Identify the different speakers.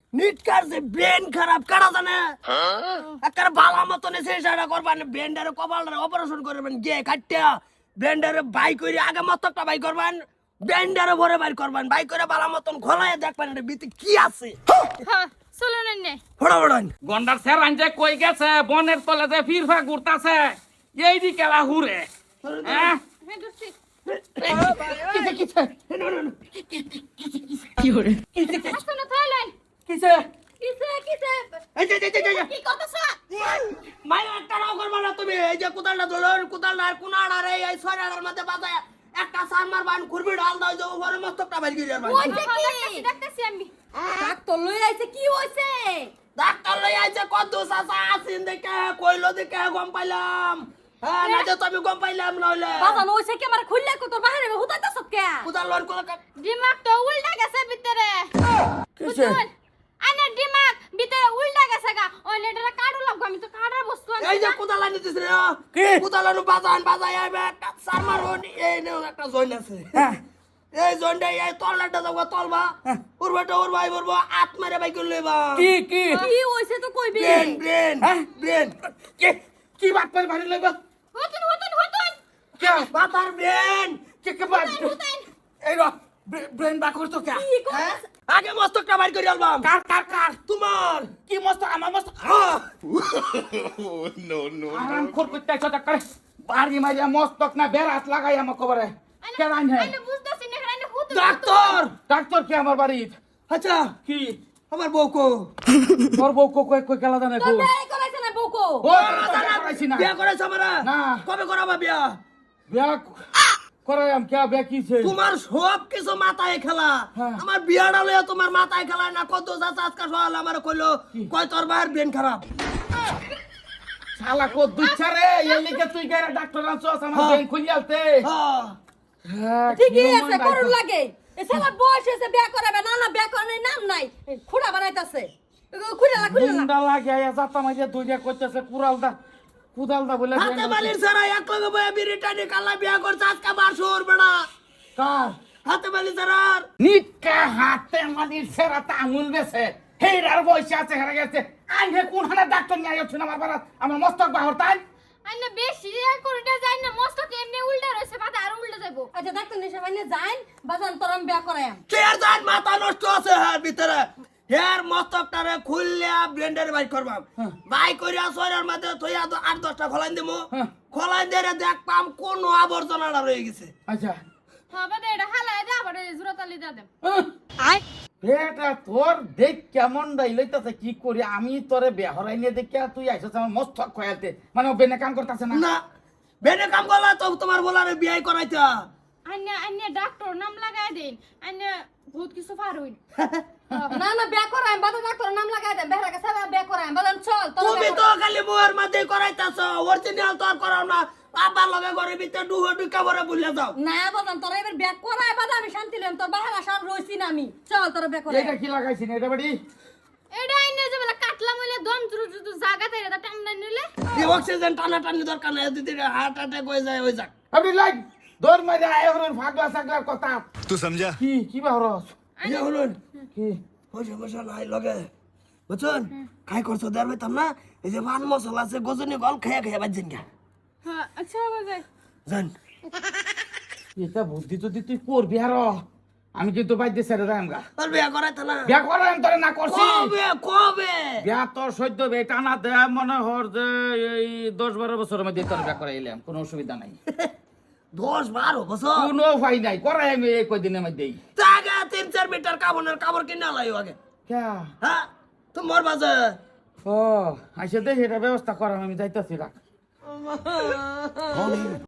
Speaker 1: নিটকার যে ব্রেন খারাপ কারা জানে একটা ভালো মতন চেষ্টা করবেন ব্রেন্ডারে কপালটারে অপারেশন করবেন গিয়ে কাটটা ব্রেন্ডারে বাই করে আগে মতকটা বাই করবেন ব্রেন্ডারে ভরে বাই করবেন বাই করে ভালো মতন খোলায় দেখবেন এটা ভিতরে কি আছে
Speaker 2: হ্যাঁ চলো না
Speaker 1: ফড়াফড়ান
Speaker 3: গন্ডার স্যার আনজে কই গেছে বনের তলে যে ফিরফা ঘুরতাছে এই দি কেলা হুরে হ্যাঁ
Speaker 2: হ্যাঁ দোস্তি
Speaker 3: কিছে কিছে
Speaker 1: কি করে
Speaker 2: আসো না থাইলেন
Speaker 1: কিসে
Speaker 2: কিসে কিসে
Speaker 1: এই যে
Speaker 2: কি করতেছ
Speaker 1: মায়ের একটা রাও করবা না তুমি এই যে কোদালটা ধরুন কোদালটা আর কোনাড়া রে এই ছয়টার মধ্যে বাজায় একটা সার মারবান কুরবি ঢাল দাও যে উপরে মস্তকটা বাইর করে যাবেন
Speaker 2: ওইটা কি দেখতেছি আমি
Speaker 4: ডাক্তার লই আইছে কি হইছে
Speaker 1: ডাক্তার লই আইছে কত চাচা আসিন দেখে কইলো দেখে গম পাইলাম হ্যাঁ না যে তুমি গম পাইলাম নইলে
Speaker 4: বাবা নইছে কি আমার খুললে কত বাহিরে হুতাইতাছ কে
Speaker 1: কোদাল লন কোদাল
Speaker 2: দিমাগ তো উল্টা গেছে ভিতরে
Speaker 1: কিসে
Speaker 2: আনে দিমাগ ভিতরে উল্টা গেছে গা ওই লেটারে কাটু লাগবে আমি তো কাটার বস্তু আনি
Speaker 1: এই যে কোদাল আনি দিছ রে কি কোদাল আনো বাজায় আইবে একটা সার মারুন এই নে একটা জয়েন আছে এই জয়েনটা এই তলটা যাবো তলবা উড়বাটা উড়বাই বলবো আত মারে বাই করে লইবা
Speaker 3: কি কি
Speaker 4: কি হইছে তো কইবি
Speaker 1: ব্রেন ব্রেন
Speaker 3: কি কি বাত করে ভারি লইব
Speaker 2: হতুন
Speaker 3: কে
Speaker 1: মাথার ব্রেন
Speaker 3: কে কে বাত
Speaker 2: হতুন
Speaker 3: এই র ব্রেন বাক করতো কে
Speaker 1: হ্যাঁ? আগে মস্তকটা বাইর করে আলবাম
Speaker 3: কার কার কার
Speaker 1: তোমার
Speaker 3: কি মস্ত আমার মস্ত
Speaker 1: হ্যাঁ
Speaker 3: আরাম কর করতে চটা করে বাড়ি মারিয়া মস্তক না বেরাত লাগাই আমার কবরে কে রান হে
Speaker 2: আনে বুঝতাছি না আনে হতুন
Speaker 1: ডাক্তার
Speaker 3: ডাক্তার কি আমার বাড়িত
Speaker 1: আচ্ছা
Speaker 3: কি
Speaker 1: আমার বউকো
Speaker 3: তোর বউ কই কই কেলা জানে কো
Speaker 4: বিয়ে করাইছে না বউকো
Speaker 3: ও করাইছি না
Speaker 1: বিয়া করেছ আমারা
Speaker 3: না।
Speaker 1: কবে করাবা বিয়া
Speaker 3: বিয়া করাইম কে বিয়া কিছে
Speaker 1: তোমার সব কিছু মাথায় খেলা
Speaker 3: হ্যাঁ।
Speaker 1: আমার বিয়াটা লইয়া তোমার মাথায় খেলা না কত যাচ্ছে আজকে সকালে আমার কইলো কয় তোর ভাইয়ের ব্রেন খারাপ
Speaker 3: শালা কো দুচ্ছারে এই লিগে তুই গেরা ডাক্তার আনছস আমার
Speaker 1: হ্যাঁ।
Speaker 3: ব্রেন খুলিয়ালতে
Speaker 1: হ্যাঁ
Speaker 3: হ্যাঁ
Speaker 4: ঠিকই আছে করুন লাগে এ সালা বয়স হইছে বিয়ে করাবে না না বিয়ে করার নাম নাই খুড়া বানাইতাছে খুড়া
Speaker 3: গুন্ডা লাগে আয়া জাতা মাইয়া দুইটা কইতেছে কুদালদা বলে
Speaker 1: হাতে বালির সারা এক লগে বয়া বিরিটানি কালা বিয়া করছে আজকে বাসুর বেড়া
Speaker 3: কার
Speaker 1: হাতে বালি সারার
Speaker 3: নিটকা হাতে মালির সেরাতা আঙুল বেছে হেরার বয়সে আছে হেরা গেছে আইনে কোন হানা ডাক্তার নিয়ে আইছ না আমার বাড়া আমার মস্তক বাহর তাই
Speaker 2: আনে বেশি করিটা যাই না মস্ত এমনি উল্টা রইছে মাথা আর উল্টা যাইবো
Speaker 4: আচ্ছা ডাক্তার নিশা ভাইনে যাইন বাজান তোরম বিয়ে করায়াম
Speaker 1: চেয়ার যান মাথা নষ্ট আছে হ্যাঁ ভিতরে হের মস্তকটারে খুললে ব্লেন্ডারে বাই করবাম বাই করিয়া সরের মধ্যে থইয়া 8-10টা খোলাই দিমু খোলাই দিয়ে দেখ পাম কোন আবর্জনাটা রয়ে গেছে
Speaker 3: আচ্ছা
Speaker 2: হবে দে এটা হালায় দে আবার জুরাতালি দে দেব
Speaker 4: আয়
Speaker 3: এটা তোর দেখ কেমন দাই লইতাছে কি করি আমি তোরে বেহরাই নিয়ে দেখিয়া তুই আইছস আমার মস্তক খয়ালতে মানে ও বেনে কাম করতাছে না
Speaker 1: না বেনে কাম করলা তো তোমার বলারে বিয়ে করাইতা
Speaker 2: আন্নে ডাক্তার নাম লাগাই দেন আন্নে বহুত কিছু পারুন
Speaker 4: না না বিয়ে করায়াম বাজান ডাক্তার নাম লাগাই দেন বেহরা কাছে বিয়ে করায়াম বাজান চল
Speaker 1: তুমি তো খালি বউয়ের মধ্যে করাইতাছ অরিজিনাল তো আর করাও না বাবার লগে ঘরে ভিতরে ডুহো ডুকা ভরে বুঝলে যাও
Speaker 4: না বাজান তোর এবার বিয়ে করায় বাজান আমি শান্তি লইম তোর বাহারা সব রইছি না আমি চল তোর বিয়ে করাই
Speaker 3: এটা কি লাগাইছি না এটা বাড়ি
Speaker 2: এটা আন্নে যে বলে কাটলা মইলে দম জুরু জুরু জায়গা তাই এটা টান্ডা নিলে
Speaker 1: এই অক্সিজেন টানা টানি দরকার নাই দিদি হার্ট অ্যাটাক হয়ে যায় ওই যাক
Speaker 3: আপনি লাগ দৌড় মারি আয় হরন ফাগলা সাগলার কথা
Speaker 5: तू समझा
Speaker 3: কি বাহরস
Speaker 1: এই হলুন
Speaker 3: কি
Speaker 1: পয়সা পয়সা নাই লগে বুঝছেন খাই করছো দেয়ার পাইতাম না এই যে পান মশলা আছে গজনি গল খেয়ে খেয়ে বাজছেন গা
Speaker 2: হ্যাঁ আচ্ছা বাজাই
Speaker 1: জান
Speaker 3: এটা বুদ্ধি যদি তুই করবি আর আমি কিন্তু বাইতে ছেড়ে যাই আমগা
Speaker 1: তোর বিয়া করাইতা না
Speaker 3: বিয়া করাম তোরে না করছি
Speaker 1: কবে কবে
Speaker 3: বিয়া তোর সদ্য বেটা না দে মনে হর যে এই 10-12 বছরের মধ্যে তোর বিয়া করাইলাম কোনো অসুবিধা নাই
Speaker 1: 10-12 বছর
Speaker 3: কোনো উপায় নাই করাই আমি এই কয়দিনের মধ্যেই
Speaker 1: জায়গা 3-4 মিটার কাপড় কিনে লাইও আগে
Speaker 3: ক্যা
Speaker 1: হ্যাঁ তোমার বাজে
Speaker 3: ও আইসা দে এটা ব্যবস্থা করাম আমি যাইতাছি রাখ